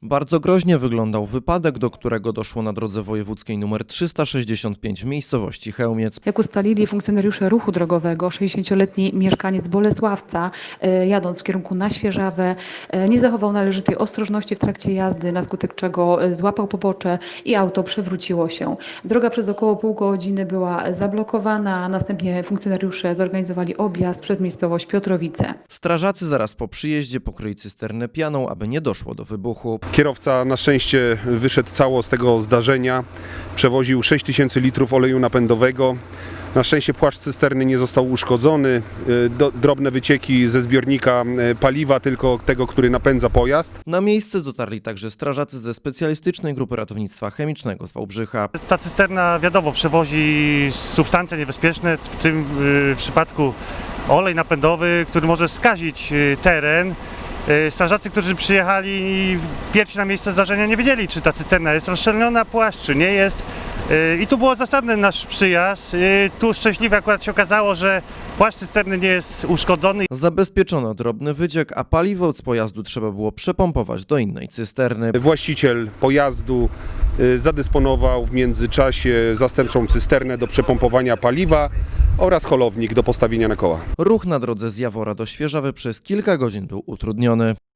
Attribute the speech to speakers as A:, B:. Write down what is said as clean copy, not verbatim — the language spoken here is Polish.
A: Bardzo groźnie wyglądał wypadek, do którego doszło na drodze wojewódzkiej nr 365 w miejscowości Chełmiec.
B: Jak ustalili funkcjonariusze ruchu drogowego, 60-letni mieszkaniec Bolesławca, jadąc w kierunku na Świeżawę, nie zachował należytej ostrożności w trakcie jazdy, na skutek czego złapał pobocze i auto przewróciło się. Droga przez około pół godziny była zablokowana, a następnie funkcjonariusze zorganizowali objazd przez miejscowość Piotrowice.
A: Strażacy zaraz po przyjeździe pokryli cysternę pianą, aby nie doszło do wybuchu.
C: Kierowca na szczęście wyszedł cało z tego zdarzenia. Przewoził 6000 litrów oleju napędowego. Na szczęście płaszcz cysterny nie został uszkodzony. Drobne wycieki ze zbiornika paliwa, tylko tego, który napędza pojazd.
A: Na miejsce dotarli także strażacy ze specjalistycznej grupy ratownictwa chemicznego z Wałbrzycha.
D: Ta cysterna, wiadomo, przewozi substancje niebezpieczne, w tym przypadku olej napędowy, który może skazić teren. Strażacy, którzy przyjechali pierwsi na miejsce zdarzenia, nie wiedzieli, czy ta cysterna jest rozszczelniona, płaszcz, czy nie jest. I tu było zasadny nasz przyjazd. Tu szczęśliwie akurat się okazało, że płaszcz cysterny nie jest uszkodzony.
A: Zabezpieczono drobny wyciek, a paliwo z pojazdu trzeba było przepompować do innej cysterny.
C: Właściciel pojazdu zadysponował w międzyczasie zastępczą cysternę do przepompowania paliwa oraz holownik do postawienia na koła.
A: Ruch na drodze z Jawora do Świeżawy przez kilka godzin był utrudniony.